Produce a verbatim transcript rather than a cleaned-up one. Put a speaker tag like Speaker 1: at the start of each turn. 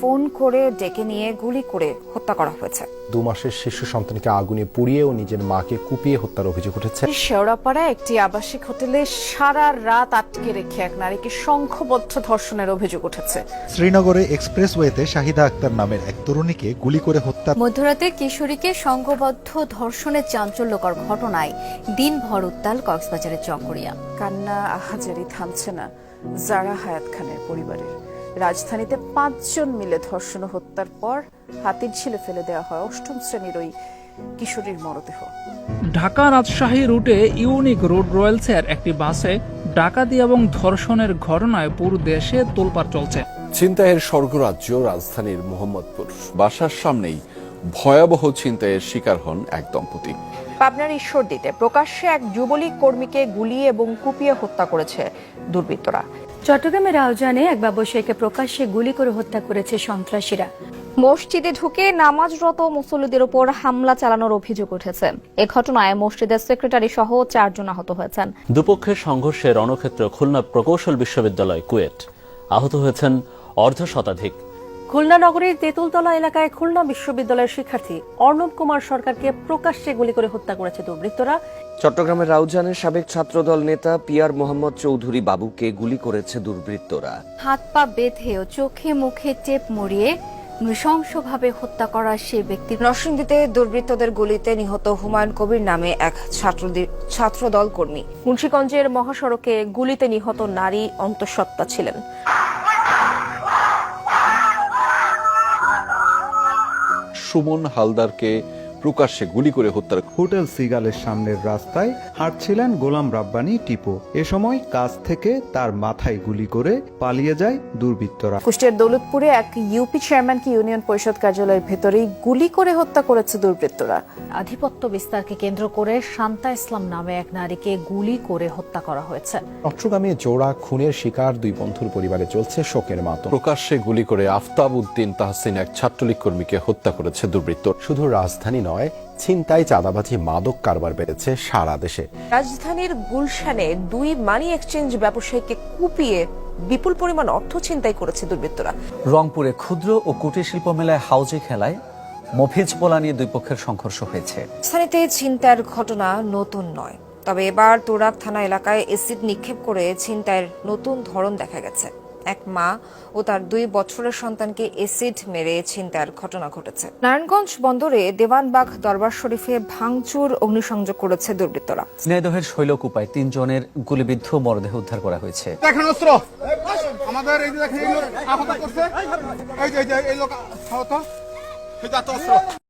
Speaker 1: Phone করে ডেকে নিয়ে গুলি করে হত্যা করা হয়েছে।
Speaker 2: দু মাসের শিশু সন্তানকে আগুনে পুড়িয়ে ও নিজের মাকে কুপিয়ে হত্যার অভিযোগ উঠেছে।
Speaker 1: শেওড়াপাড়ায় একটি আবাসিক হোটেলে সারা রাত আটকে রেখে এক নারীকে সংঘবদ্ধ ধর্ষণের অভিযোগ উঠেছে।
Speaker 3: শ্রীনগরে এক্সপ্রেসওয়েতে শাহিদা আক্তার নামের এক তরুণীকে গুলি করে হত্যা।
Speaker 4: মধ্যরাতে কিশোরীকে সংঘবদ্ধ ধর্ষণের চাঞ্চল্যকর ঘটনায় দিনভর উত্তাল কক্সবাজারের চকরিয়া।
Speaker 1: কান্না আহাজারি থামছে না জারা হায়াত খানের পরিবারের। রাজধানীতে পাঁচজন মিলে ধর্ষণ ও হত্যার পর হাতির ঝিলে ফেলে দেওয়া হয় অষ্টম শ্রেণীর ওই কিশোরীর মরদেহ।
Speaker 5: ঢাকা রাজশাহী রুটে ইউনিক রোড রয়েলসের একটি বাসে ডাকাতি এবং ধর্ষণের ঘটনায় পুরো দেশে তোলপাড় চলছে।
Speaker 6: ছিনতাইয়ের স্বর্গরাজ্য রাজধানীর মোহাম্মদপুর। বাসার সামনেই ভয়াবহ ছিনতাইয়ের শিকার হন এক দম্পতি।
Speaker 1: পাবনার ঈশ্বরদীতে প্রকাশ্যে এক যুবলীগ কর্মীকে গুলি এবং কুপিয়ে হত্যা করেছে দুর্বৃত্তরা।
Speaker 4: চট্টগ্রামের রাউজানে এক ব্যবসায়ীকে প্রকাশ্যে গুলি করে হত্যা করেছে সন্ত্রাসীরা।
Speaker 7: মসজিদে ঢুকে নামাজরত মুসল্লিদের উপর হামলা চালানোর অভিযোগ উঠেছে। এ ঘটনায় মসজিদের সেক্রেটারি সহ চারজন আহত হয়েছেন।
Speaker 8: দুপক্ষের সংঘর্ষে রণক্ষেত্র খুলনা প্রকৌশল বিশ্ববিদ্যালয় কুয়েট। আহত হয়েছেন অর্ধ শতাধিক।
Speaker 9: খুলনা নগরীর তেঁতুলতলা এলাকায় খুলনা বিশ্ববিদ্যালয়ের শিক্ষার্থী অর্ণব কুমার সরকারকে প্রকাশ্যে গুলি করে হত্যা করেছে দুর্বৃত্তরা।
Speaker 10: চট্টগ্রামের রাউজানের সাবেক ছাত্রদল নেতা পিয়ার মোহাম্মদ চৌধুরী বাবুকে গুলি করেছে দুর্বৃত্তরা।
Speaker 4: হাত পা বেঁধে ও চোখে মুখে টেপ মরিয়ে নৃশংসভাবে হত্যা করা সে ব্যক্তি।
Speaker 1: নরসিংদীতে দুর্বৃত্তদের গুলিতে নিহত হুমায়ুন কবির নামে এক ছাত্রদল কর্মী। মুন্সিগঞ্জের মহাসড়কে গুলিতে নিহত নারী অন্তঃসত্ত্বা ছিলেন।
Speaker 6: সুমন হালদারকে প্রকাশ্যে গুলি করে হত্যার।
Speaker 3: হোটেল সিগালের সামনের রাস্তায় হাঁটছিলেন গোলাম রাব্বানী টিপো। এ সময় কাছ থেকে তার মাথায় গুলি করে পালিয়ে যায় দুর্বৃত্তরা।
Speaker 1: কুষ্টিয়ার দৌলতপুরে এক ইউপি চেয়ারম্যানকে ইউনিয়ন পরিষদ কার্যালয়ের ভেতরেই গুলি করে হত্যা করেছে দুর্বৃত্তরা।
Speaker 4: আধিপত্য বিস্তারকে কেন্দ্র করে শান্তা ইসলাম নামে এক নারীকে গুলি করে হত্যা করা হয়েছে।
Speaker 2: চট্টগ্রামে জোড়া খুনের শিকার দুই বন্ধুর পরিবারে চলছে শোকের মাতম।
Speaker 6: প্রকাশ্যে গুলি করে আফতাব উদ্দিন তাহসিন এক ছাত্রলীগ কর্মীকে হত্যা করেছে দুর্বৃত্ত।
Speaker 2: শুধু রাজধানী নয়, ছিনতাই, চাঁদাবাজি, মাদক কারবার বেড়েছে সারা দেশে।
Speaker 1: রাজধানীর গুলশানে দুই মানি এক্সচেঞ্জ ব্যবসায়ীকে কুপিয়ে বিপুল পরিমাণ অর্থ ছিনতাই করেছে দুর্বৃত্তরা।
Speaker 11: রংপুরে ক্ষুদ্র ও কুটির শিল্প মেলায় হাউজে খেলায় মফিজ পোলা নিয়ে দুই পক্ষের সংঘর্ষ হয়েছে।
Speaker 1: স্থানীয়তে ছিনতাইয়ের ঘটনা নতুন নয়, তবে এবার তোরাক থানা এলাকায় এসিড নিক্ষেপ করে ছিনতাইয়ের নতুন ধরন দেখা গেছে। এক মা ও তার দুই বছরের সন্তানকে এসিড মেরে ছিনতাইয়ের ঘটনা ঘটেছে। নারায়ণগঞ্জ বন্দরে দেওয়ানবাগ দরবার শরীফে ভাঙচুর অগ্নিসংযোগ করেছে দুর্বৃত্তরা।
Speaker 11: ঝিনাইদহের শৈলকুপায় তিনজনের গুলিবিদ্ধ মরদেহ উদ্ধার করা হয়েছে।
Speaker 12: দেখেন অস্ত্র আমাদের এই যে দেখেন আহত করছে, এই যে এই লোক আহত, এই যে অস্ত্র।